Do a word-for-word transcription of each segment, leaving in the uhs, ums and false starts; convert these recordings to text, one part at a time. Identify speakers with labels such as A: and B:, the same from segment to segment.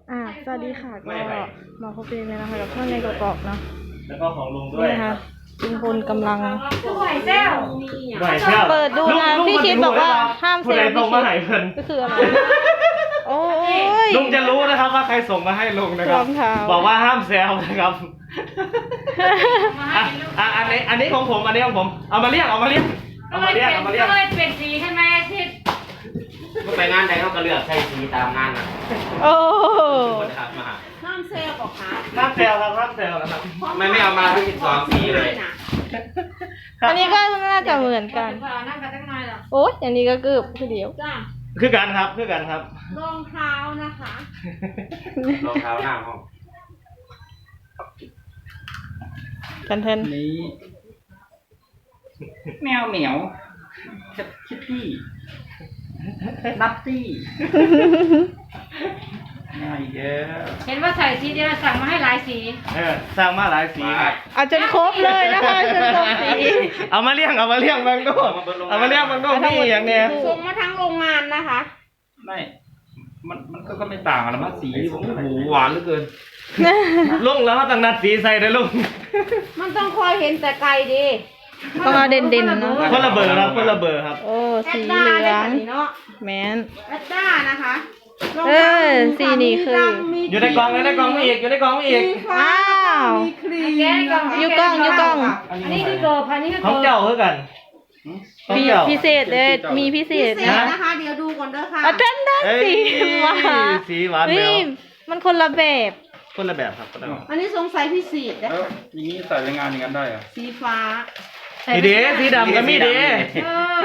A: อ่าสวัสดีค่ะก็มาพบกันเลยนะคะกับช่องในกรอกๆเนาะ
B: แล้วก็ของลุงด้วย
A: นี่นะคะลุงพลกำลัง
C: ไหวแจ้ว
B: ไหวแซ่บ
A: เปิดดูนะพี่ชิดบอกว่าห้ามเซ
B: ผู้
A: ล
B: ใด
A: ล์
B: ส่
A: พี่
B: ง
A: ชิ
B: มา
A: ด
B: ให้เพิ่น
A: ก็คืออะไรโอ้ย
B: ลุงจะรู้นะครับว่าใครส่งมาให้ลุงนะครับ
A: รองเท้า
B: บอกว่าห้ามแซวนะครับอ่ะอ่ะอันนี้อันนี้ของผมอันนี้ของผมเอามาเรียกเอามาเรียกเอามาเรียกเอามาเรียก
C: ก็เลยเปลี่ยนสีใช่ไหมทิศ
D: ก็ไปงานใดเขาก็เลือกใช้สีตามงานนะ
A: โอ้
D: คนขับมา
C: ห้ามเซลล์บอกค่ะ
B: ห้ามแซวครับห้ามแซวนะครับ
D: ทำไมไม่เอามาทั้งสิบสองสีเลย
A: อันนี้ก็น่าจะเหมือนกัน
C: นั่งกันตั้งนานหรอ
A: โอ้ยอันนี้ก็เกือบคือเดียว
C: จ้า
B: คือกันครับคือกันครับ
C: รองเท้านะคะ
D: รองเท้าหน้าห้อง
A: กันเทน
D: นี้แมวเหมียวคิตตี้นัตตี้ง่ายเยอะ
C: เห็นว่าใส่สีเดียวสั่งมาให้หลายสี
B: เออสร้างมาหลายสี
A: เอาจนครบเลยนะคะจนครบสี
B: เอามาเลี้ยงเอามาเลี้ยงบางโดเอามาเลี้ยงบางโดนี่อย่างเนี้ย
C: ส่งมาทั้งโรงงานนะคะ
D: ไม่มันมันก็ไม่ต่างกันนะสีโอ้โหหวานเหลือเกิน
B: ลุงแล้วเขาต้องนัดสีใส่ด้วยลุง
C: มันต้องคอยเห็นแต่ไกลดี
A: ต้องเอาเด่นๆเนาะ
B: คนละเบอร์ครับคนละเบอร์ครับ
A: โอ้
C: แอ
A: สี
C: ด
A: เห
C: ด้า
A: ลื
C: ได้
A: อง
C: แบบนี้เนาะ
A: แมน
C: แอดด้านะคะ
A: เออสีนี้คือ
B: อยู่ในกล่องอยู่ในกล่องไม่อีกอยู่ในกล่องไม่อีก
A: อ้าว
C: มีครีม
A: ยูกล้องยูกล้อง
C: อันนี้คือเกิร์อันนี้คือ
B: ของ
C: เกิร์
B: เจ้าคือกันของ
A: มี
B: เจ้า
A: พิเศษเลยมีพิเศษ
C: พิเศ
A: นะ
C: ษนะคะ เดี๋ยวดูก่อนเด้อค่ะ
A: อาจารย์ด้าน
B: เอ้ย
A: สีมา
B: สีหวานแหว
A: เฮ้ยว มันคนละแบบ
B: คนละแบบครับคนละแบบ
C: อันนี้สงสัยพิเศษนะ
D: แล้ว
C: คะ
D: อย่างนี้ใส่ในงานอย่างนั้นได้เหรอ
C: สีฟ้า
B: สีเดสีดำก็มีเด
C: เออ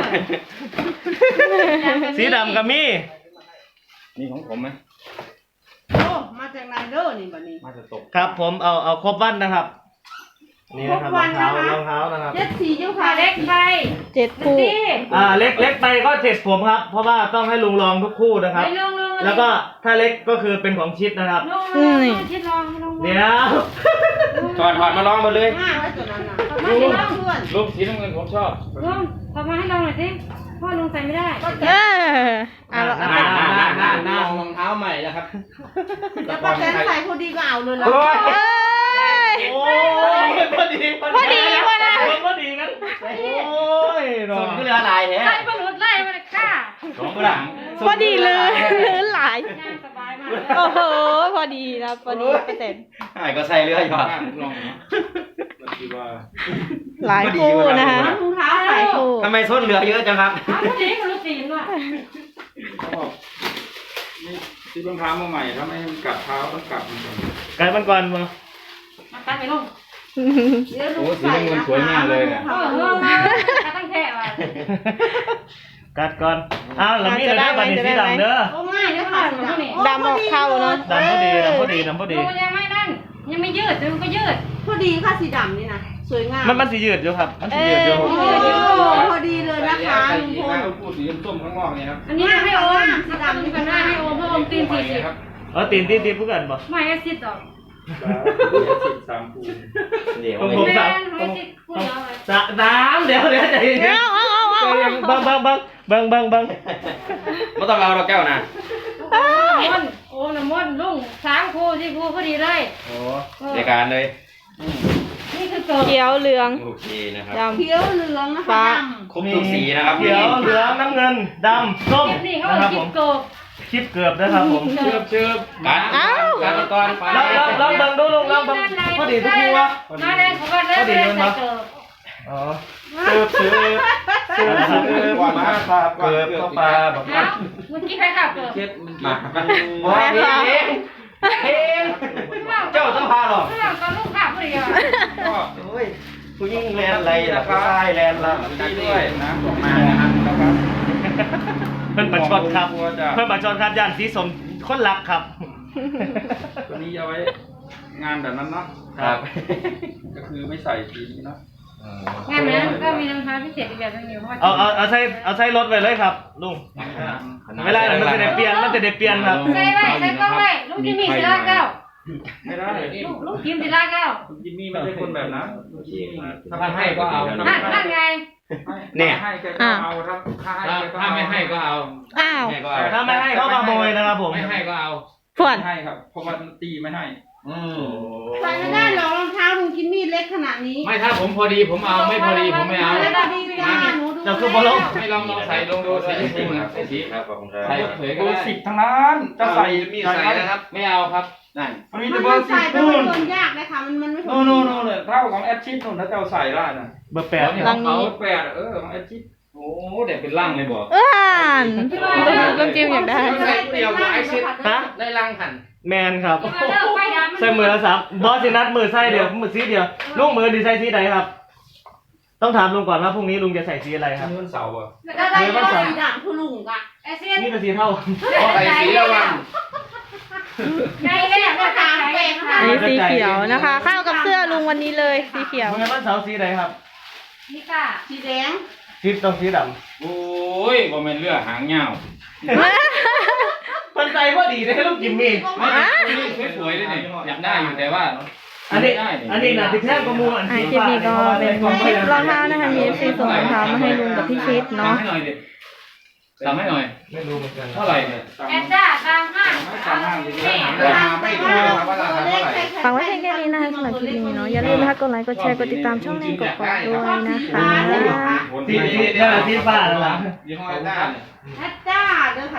B: สีดำก็มี
D: นี่ของผมไหม
C: โอ้มาจากไหนเด้อนี่บัดนี้
D: มาจะตก
B: ครับผมเอาเอาครบวันนะครับ นี่นะครับรองเท้ารองเท้านะครับ
C: เจ็ดสีเจ้าค่ะเล็กไป
A: เจ็ดคู่
C: ดี
B: อ่าเล็กเล็กไปก็เจ็ดผมครับ เพราะว่าต้องให้ลุงลองทุกคู่นะครับ
C: ไปลงลง
B: แล้วก็ถ้าเล็กก็คือเป็นของชิดนะครับ
C: ลงลงลงชิดลองลง
B: เดี๋ยว
D: ถอดถอดมาลองมาเลย
C: มากแล้วตัวนั้นน่ะมาให้ลองเพื่อน
D: รูปสีน้ำเงินผมชอบ
C: ลงทำมาให้ลองหน่อยสิพ่อลงใส่ไม่ได้
A: เอออ่ะเราเอา
B: หน้าหน้าหน้าหน้าหน้าร
D: องเท้าใหม่แล้วครับ
C: แล้วป้าแตนใส่พอดีก็เอาเลยละ
D: โอ้ย
A: เอ้ย
B: โอ้ยพอดี
A: พอดีพอดี
B: พอดีกันโอ้ยรอ
D: ส่งก็เรือลายแท้
C: ใส่ปลาหลุดไล่มาเลยค่ะ
D: สองหลัง
A: พอดีเลยลื่นหลาย
C: ง่ายสบายมาก
A: โอ้โหพอดีนะพอดีเปอร์เซ็นต์
D: หายก็ใส่เรืออยู่
E: ลองนะคิดว่า
A: หลายคู่นะคะ
C: รองเท้า
A: ห
C: ใส่
A: ลายคู่
D: ทำไมส้นเรือเยอะจังครับ
C: เอาพอดีมันรู้สีด้วย
E: เขาบอกนี่ซื้อรองเท้ามาใหม่ถ้าไม่ให้มันกัดเท้าต้องกัดมันก่อน
B: ไก่มันก่อนมา
C: มาตั้งไปลงเดี๋ยว
E: โอ้
C: ลูก
E: สี
C: ใส่
E: น้ำเงินสวยมากเลยเนี่ย
C: เออเออมาตั้งแค่ว่ะ
B: กัดก่อนอ้าวแล้วมีอะไรบัตรสีดำเด้อ
C: โอ้ง่ายเลยค่ะสีดำนี่
A: ดำออกเข้าเนาะ
B: ดำพอดีดำพอดีดำพอดี
C: โอ้ยังไม่นั่นยังไม่ยืดมันก็ยืด
F: พอดีค่ะสีดำนี่นะสวยงาม
B: มันมันสียืดอยู่ครับ มันสียืดอยู่
F: โอ้โหพอดีเลยนะคะ
E: ใส่
F: ลุง
E: สี
F: พ
E: ฟ้า
F: ล
E: พูดสีส้มข้างนอกเนี่ยครับ
C: อันนี้ให้โอมสีดำนี่ก็ได้ให้โอมเพราะโอมตีนสี่สิบ
E: ครับ
B: เออตีนตีนตีนพูดกันบ่
C: ไม่ให้สิบดอก
E: สิบสามคูณ
D: เดี๋ยว
B: ของ
D: ไม่
B: ผม
C: แม่
B: สาม
C: ให้สิบคู่เดียวเลย
B: สะน้ำเดี๋ยวเดี๋ยวใจเย็น
A: เอาเอาเอาเอา
B: ใจเย็นบังบังบังบังบังบัง
D: ไม่ต้องเอาเราแก้วนะ
C: ม่อนโอ้น้ำม่อนลุงสามคู่สี่คู่พอดีเลย
B: โอ้
D: ในการเลย
C: นี่คือเกิด
A: เขียวเหลือง
D: โอเคนะครับ
A: ดำ
F: เขียวเหลืองนะคะ
A: ฟ้า
F: ด
D: ครบทุกสีนะครับ
B: เขียวเหลืองน้ำเงินดำส้ม
C: คลิปนี้เขา
B: นะครับ
C: คลิ
B: ผ
C: ป
B: ม
C: เกิด
B: คลิปเกือบนะครับผม
E: เชื่อเชื่อ
D: การการก่อน
B: ลองลองลองเบิ่งดูลองลองเบิ่งพอดีทุกคู่วะ
C: มาเลยเขาก็เริ่มเริ่มใส่เกิด
B: อ๋อเกือบเกือบเกือบเกือบ
E: ก่อน
B: มา
E: มา
B: ปลาเกือบเข้าปลาแบบ
C: เอ้าเมื่อกี้ใครขับเกิด
E: เช็ดมัน
D: มา
B: ว้าวเองเอง
D: เจ้าต้องพาหรอก
C: เรื่องตอนลูกขับพอดีอ่ะ
E: ก็
B: โอ้ยผู้หญิงแลนอะไรล่ะผู้ชายแลนละ
E: ดีด้วยนะบอกมานะครับนะครับ
B: เพิ่นประชดครับเพิ่นประชดครับย่านสีสมคนรักครับ
E: ตัวนี้เอาไว้งานแบบนั้นเนาะ
D: ครับ
E: ก็คือไม่ใส่สีนี้เนาะ
C: งานนั้นก็มีน้ำท้าพิเศษอีกแบบนึงอยู่เพราะ
B: เอาเอาเอาใส่เอาใส่รถไปเลยครับลุงเวลามันจะได้เปลี่ยนมันจะได้เปลี่ยนครับ
C: ใส่ไว้ใส่กล้องไว้ลูกจิมมี่สิลาเก้า
E: ไม่ได้
C: ลูกลูกจิมสิลาเก้า
E: คุณจิมมี่ไม่ใช่คนแบบนั้นคุณจิมมี่
G: ถ้าให้ก็เอา
C: นั่นนั่นไง
E: เนี่ยให้แกก็เอาถ้าถ้าให้
G: ถ้า
E: แกก็
G: ถ้า
E: เอา
G: ไม่ให้ก็เอา
A: อ้าว
D: แม่ก็เอา
B: ถ้าไม่ให้เขาขโมยนะครับผม
G: ไม่ให้ก็เอา
A: ฝวน
E: ให้ครับเพราะว่าตีไม่ให้
B: อืม
F: ใส่ไม่ได้หรอกรองเท้าลุงกินมีดเล็กขนาดนี้
D: ไม่ถ้าผมพอดีผมเอาไม่พอดีผมไม่เอา
F: ไม่พอดีจ้าหนูดู
B: เจ้าคือบอลลง
D: ให้ลองลองใส่ลองดูสีชมพูนะใส่สี
G: ครับขอบคุณครับ
D: ใส่เผยก็
E: เบอ
D: ได้
E: ร์สิบทั้งนั้นจะใส่
G: มีใส่นะครับ
D: ไม่เอาครับนั่น
E: มันมี
F: มั
E: แต่
F: น
E: เบอร์สิ
F: ใส่
E: บ
F: ไป
E: นู่
F: มัน นโดนยากเลยค่ะมันมันไม่พอ
E: โน่
F: ดี
E: นโน่นโน่นเลยเท่าของแอดชิดนู่นถ้าเจ้าใส่ได้นะ
B: เบอร์แปด
A: ลังนี้
E: เบอร์แปดเออของแอดชิด
D: โอ้เด็กเป็นร่างเลยบอก
A: เอ้านลุงจิมอยากได้
F: ใส่เดียวกับไอชิด
B: ฮะ
D: ได้ร่างหัน
B: แมนครับ
C: ที่มาเลิกไฟดำ
B: ใส่มือละสามบอสสินัดมือใส่เดียวมือสีเดียวลุงมือดีใส่สีไหนครับ ต้องถามลุงก่อนว่าพรุ่งนี้ลุงจะใส่สีอะไรครับ
E: นี่มันเสาร์อ่ะ
F: แล้วได้ก็สีดำคือลุงกะ
C: ไอเซียน
B: นี่เป็นสีเท่า
G: ใส่สีระวัง
C: ใจเลยอ่ะก็ตามไปค่ะ
A: อันนี้สีเขียวนะคะ เข้ากับเสื้อลุงวันนี้เลยสีเขียว
B: เมื่อวันเสาร์สีไหนครับ
C: นี่ค่ะ
F: สีแดง
B: สีต้องสีด
D: โอ้ยบ่แม่นเรือหางยาว
B: ำมันใจพอดีได้ลูกจิมมี่
D: ไม่นี่สวยๆเลยนี่อยากได้อยู่แต่ว่า
B: อันนี้อันนี้นะติดแท่งประมูลอัน
A: อ่า
B: สี
A: คลิป
B: ฟ้า
A: นี้ก็เป็นคลิปรองเท้านะคะมีเอฟซีส่งรองเท้ามาให้ลุงกับพี่ชิดเนาะ
D: ให้หน่อยดิทำให้หน่อย
B: ไม่รู้เหมือนกัน
D: เท่าไหร่เนี่ย
C: แอดด้าตามห้าง
E: ตามห้างดี
C: นี่
E: ๆหาไม่ถูกครับว่าราคาเท่าไหร่
A: ฝากไว้เพียงแค่นี้นะคะสำหรับคลิปนี้เนาะอย่าลืมนะคะกดไลค์กดแชร์กดติดตามช่องแนนกดกดด้วยนะคะ
B: สีสีนั่นแหละสีฟ้านั่นแหละ
G: ยี่ห้อด้าเนี่ย
F: แอดจ้าเด้อค่ะ